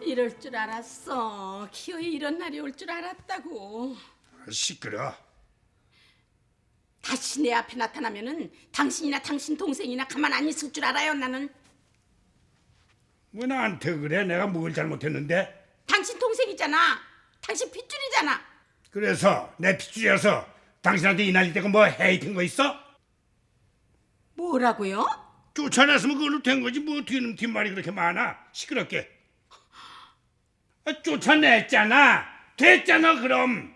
이럴 줄 알았어. 기어이 이런 날이 올 줄 알았다고. 시끄러. 다시 내 앞에 나타나면은 당신이나 당신 동생이나 가만 안 있을 줄 알아요. 나는 왜 나한테 그래? 내가 뭘 잘못했는데? 당신 동생이잖아. 당신 핏줄이잖아. 그래서 내 핏줄이어서 당신한테 이 난리 대고 뭐 헤이팅 거 있어? 뭐라고요? 쫓아냈으면 그걸로 된 거지 뭐 뒤는 뒷말이 그렇게 많아. 시끄럽게. 쫓아냈잖아. 됐잖아 그럼.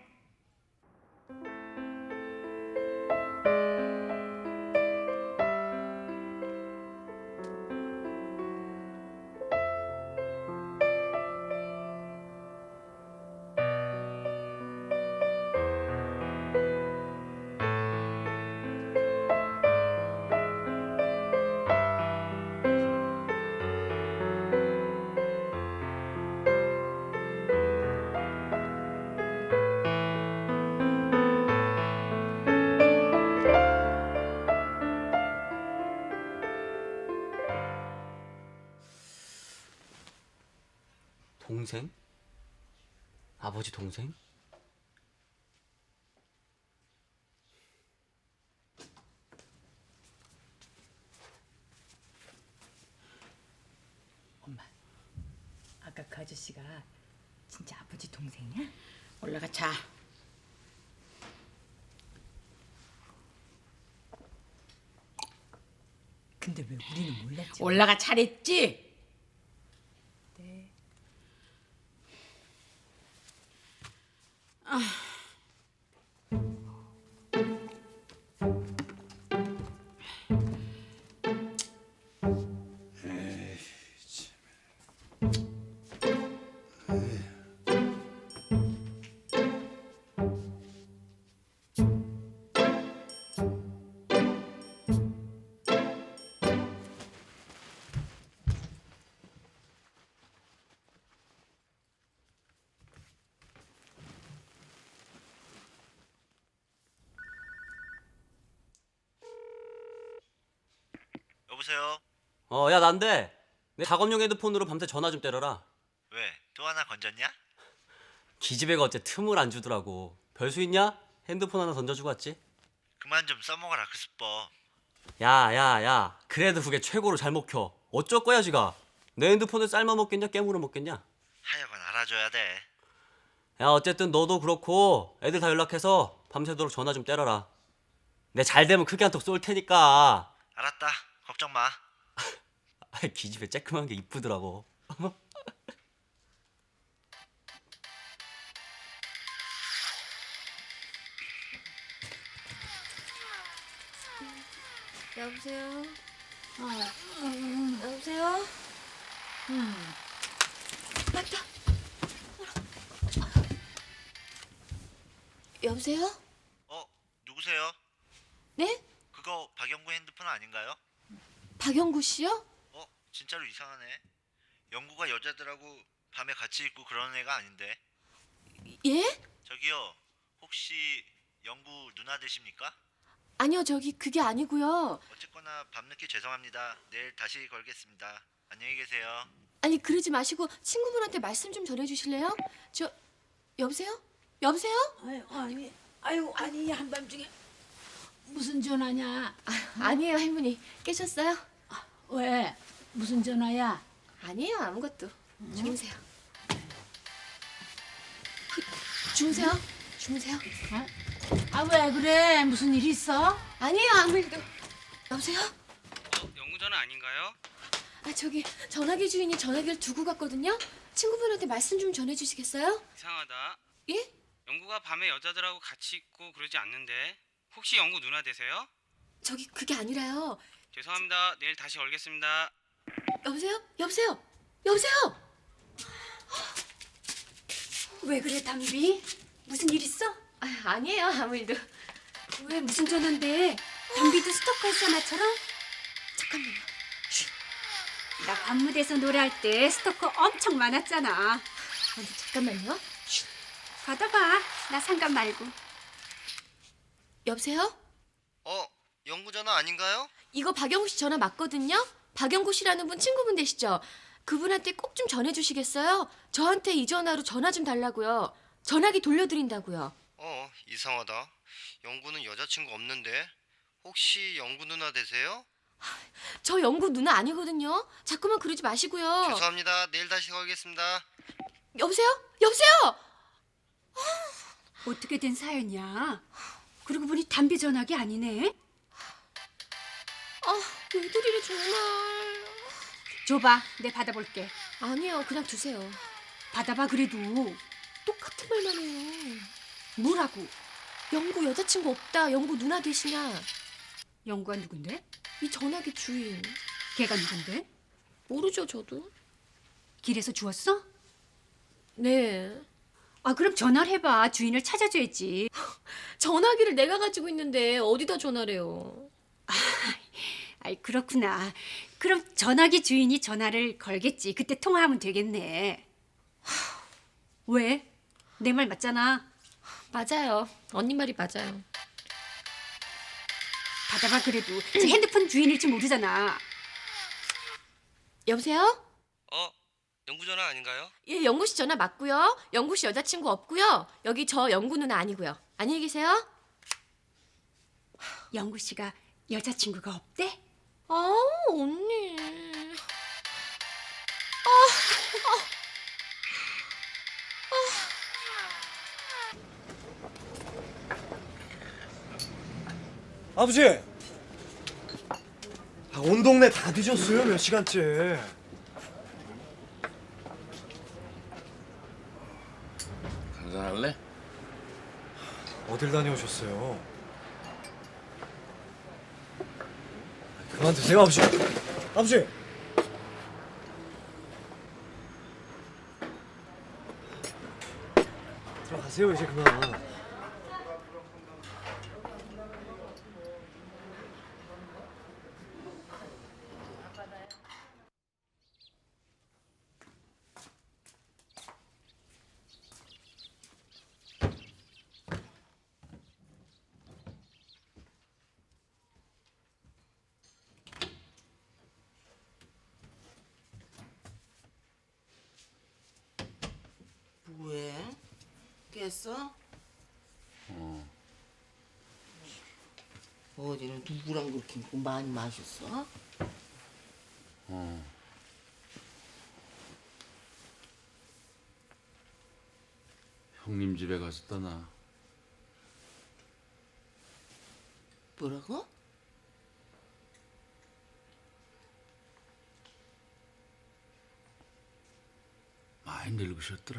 동생? 아버지 동생? 엄마, 아까 그 아저씨가 진짜 아버지 동생이야? 올라가 자. 근데 왜 우리는 몰랐지? 올라가 잘했지? 네. 여보세요? 야 난데 내 작업용 헤드폰으로 밤새 전화 좀 때려라. 왜? 또 하나 건졌냐? 기집애가 어째 틈을 안 주더라고. 별수 있냐? 핸드폰 하나 던져주고 왔지. 그만 좀 써먹어라 그 수법. 야야야, 그래도 그게 최고로 잘 먹혀. 어쩔 거야 지가. 내 핸드폰을 삶아 먹겠냐 깨물어 먹겠냐. 하여간 알아줘야 돼. 야 어쨌든 너도 그렇고 애들 다 연락해서 밤새도록 전화 좀 때려라. 내 잘 되면 크게 한턱 쏠 테니까. 알았다. 걱정 마. 기집애 쬐끔한 게 이쁘더라고. 여보세요? 여보세요? 맞다. 여보세요? 누구세요? 네? 그거 박영구 핸드폰 아닌가요? 박영구 씨요? 진짜로 이상하네. 영구가 여자들하고 밤에 같이 있고 그러는 애가 아닌데. 예? 저기요. 혹시 영구 누나 되십니까? 아니요, 그게 아니고요. 어쨌거나 밤늦게 죄송합니다. 내일 다시 걸겠습니다. 안녕히 계세요. 아니, 그러지 마시고 친구분한테 말씀 좀 전해주실래요? 여보세요? 여보세요? 아니 한밤중에 무슨 전화냐? 아니에요, 할머니. 깨셨어요? 왜? 무슨 전화야? 아니에요, 아무것도. 주무세요. 주무세요. 주무세요. 아 왜 그래? 무슨 일 있어? 아니에요, 아무 일도. 여보세요? 영구 전화 아닌가요? 전화기 주인이 전화기를 두고 갔거든요. 친구분한테 말씀 좀 전해주시겠어요? 이상하다. 예? 영구가 밤에 여자들하고 같이 있고 그러지 않는데 혹시 영구 누나 되세요? 그게 아니라요. 죄송합니다. 내일 다시 걸겠습니다. 여보세요? 여보세요? 여보세요? 왜 그래 담비? 무슨 일 있어? 아니에요, 아무 일도. 왜 무슨 전화인데? 담비도 스토커였어 나처럼? 잠깐만요. 나 관무대에서 노래할 때 스토커 엄청 많았잖아. 잠깐만요. 받아봐. 나 상관 말고. 여보세요? 영구 전화 아닌가요? 이거 박영구 씨 전화 맞거든요? 박영구 씨라는 분 친구분 되시죠? 그분한테 꼭 좀 전해주시겠어요? 저한테 이 전화로 전화 좀 달라고요. 전화기 돌려드린다고요. 이상하다. 영구는 여자친구 없는데 혹시 영구 누나 되세요? 저 영구 누나 아니거든요. 자꾸만 그러지 마시고요. 죄송합니다. 내일 다시 걸겠습니다. 여보세요? 여보세요? 어떻게 된 사연이야? 그러고 보니 담비 전화기 아니네. 왜들이래 정말. 줘봐, 내 받아볼게. 아니요, 그냥 두세요. 받아봐 그래도. 똑같은 말만 해요. 뭐라고? 영구 여자친구 없다. 영구 누나 되시냐? 영구가 누군데? 이 전화기 주인. 걔가 누군데? 모르죠, 저도. 길에서 주웠어? 네. 아 그럼 전화를 해봐. 주인을 찾아줘야지. 전화기를 내가 가지고 있는데 어디다 전화래요? 아이 그렇구나. 그럼 전화기 주인이 전화를 걸겠지. 그때 통화하면 되겠네. 왜? 내 말 맞잖아. 맞아요. 언니 말이 맞아요. 받아봐 그래도. 저 핸드폰 주인일지 모르잖아. 여보세요? 영구 전화 아닌가요? 예, 영구 씨 전화 맞고요. 영구 씨 여자친구 없고요. 여기 저 영구 누나 아니고요. 안녕히 계세요. 영구 씨가 여자친구가 없대? 언니. 아버지! 온 동네 다 뒤졌어요, 몇 시간째. 한잔할래? 어딜 다녀오셨어요? 그만 드세요, 아버지. 아버지! 들어가세요, 이제 그만. 왜? 깼어? 어제는 누구랑 그렇게 많이 마셨어? 형님 집에 가서 떠나. 뭐라고? 많이 늙으셨더라.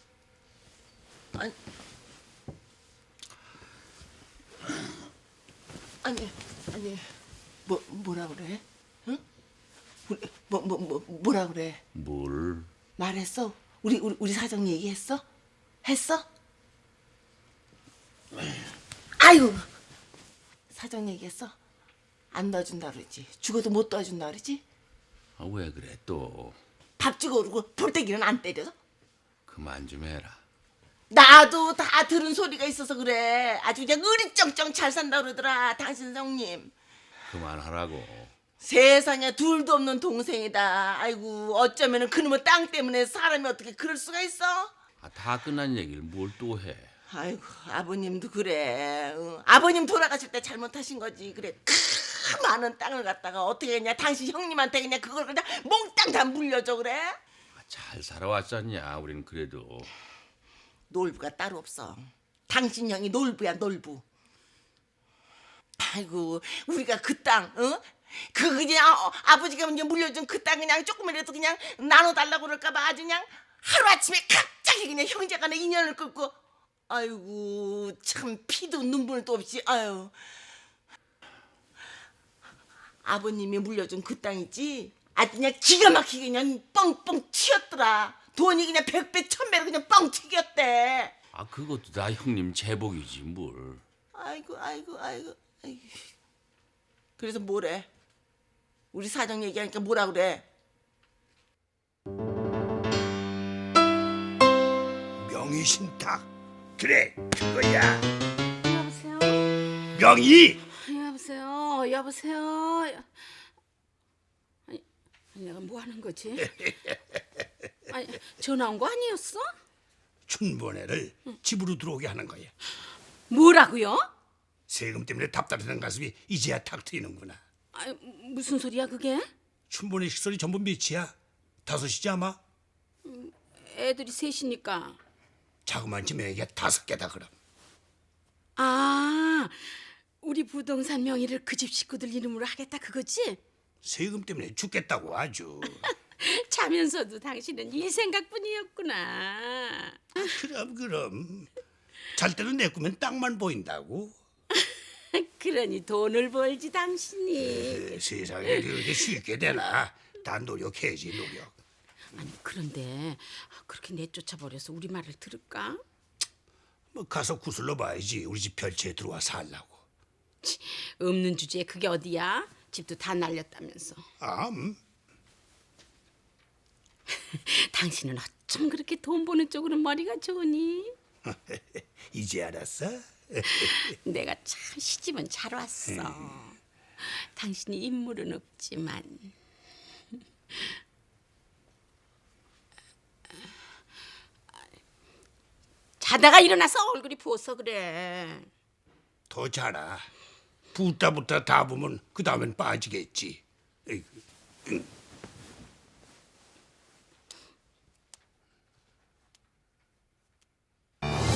아니, 뭐라 그래? 응? 뭐라 그래? 뭘? 말했어? 우리 사정 얘기했어? 했어? 아이고, 사정 얘기했어? 안 넣어준다 그러지? 죽어도 못 넣어준다 그러지? 왜 그래 또? 밥 주고 오르고 볼때기는 안 때려? 그만 좀 해라. 나도 다 들은 소리가 있어서 그래. 아주 그냥 으리쩡쩡 잘 산다 그러더라, 당신 성님. 그만하라고. 세상에 둘도 없는 동생이다. 아이고, 어쩌면은 그놈의 땅 때문에 사람이 어떻게 그럴 수가 있어? 다 끝난 얘기를 뭘 또 해? 아이고, 아버님도 그래. 아버님 돌아가실 때 잘못하신 거지. 그래, 그 많은 땅을 갖다가 어떻게 했냐, 당신 형님한테 그냥 그걸 그냥 몽땅 다 물려줘 그래? 잘 살아왔잖냐. 우리는 그래도. 놀부가 따로 없어. 당신 형이 놀부야, 놀부. 아이고, 우리가 그 땅, 그 그냥 아버지가 먼저 물려준 그 땅 그냥 조금이라도 그냥 나눠달라고 그럴까봐 아주 그냥 하루아침에 갑자기 그냥 형제간에 인연을 끊고, 아이고 참 피도 눈물도 없이, 아유. 아버님이 물려준 그 땅 있지? 아주 그냥 기가 막히게 그냥 뻥뻥 튀었더라. 돈이 그냥 100배 1000배로 그냥 뻥 튀겼대. 그것도 다 형님 제복이지 뭘. 아이고. 그래서 뭐래? 우리 사정 얘기하니까 뭐라 그래? 명의신탁. 그래, 그거야. 여보세요? 명의. 여보세요? 내가 뭐 하는 거지? 아니, 전화 온 거 아니었어? 춘보네를 집으로 들어오게 하는 거야. 뭐라고요? 세금 때문에 답답했던 가슴이 이제야 탁 트이는구나. 아니, 무슨 소리야 그게? 춘보네 식설이 전부 몇이야? 5이지 아마? 애들이 셋이니까. 자그만 집 애기가 5개다 그럼. 아, 우리 부동산 명의를 그 집 식구들 이름으로 하겠다 그거지? 세금 때문에 죽겠다고 아주. 자면서도 당신은 이 생각뿐이었구나. 그럼 잘 때는 내 꿈엔 땅만 보인다고. 그러니 돈을 벌지 당신이. 세상에 그렇게 쉽게 되나. 다 노력해야지 노력. 아니 그런데 그렇게 내쫓아버려서 우리 말을 들을까? 뭐 가서 구슬러 봐야지. 우리 집 별채에 들어와 살라고. 없는 주제에 그게 어디야? 집도 다 날렸다면서. 아, 당신은 어쩜 그렇게 돈 버는 쪽으로 머리가 좋으니? 이제 알았어? 내가 참 시집은 잘 왔어. 당신이 인물은 없지만 자다가 일어나서 얼굴이 부어서 그래. 더 자라. 붓다 다 보면 그 다음엔 빠지겠지. 에이구.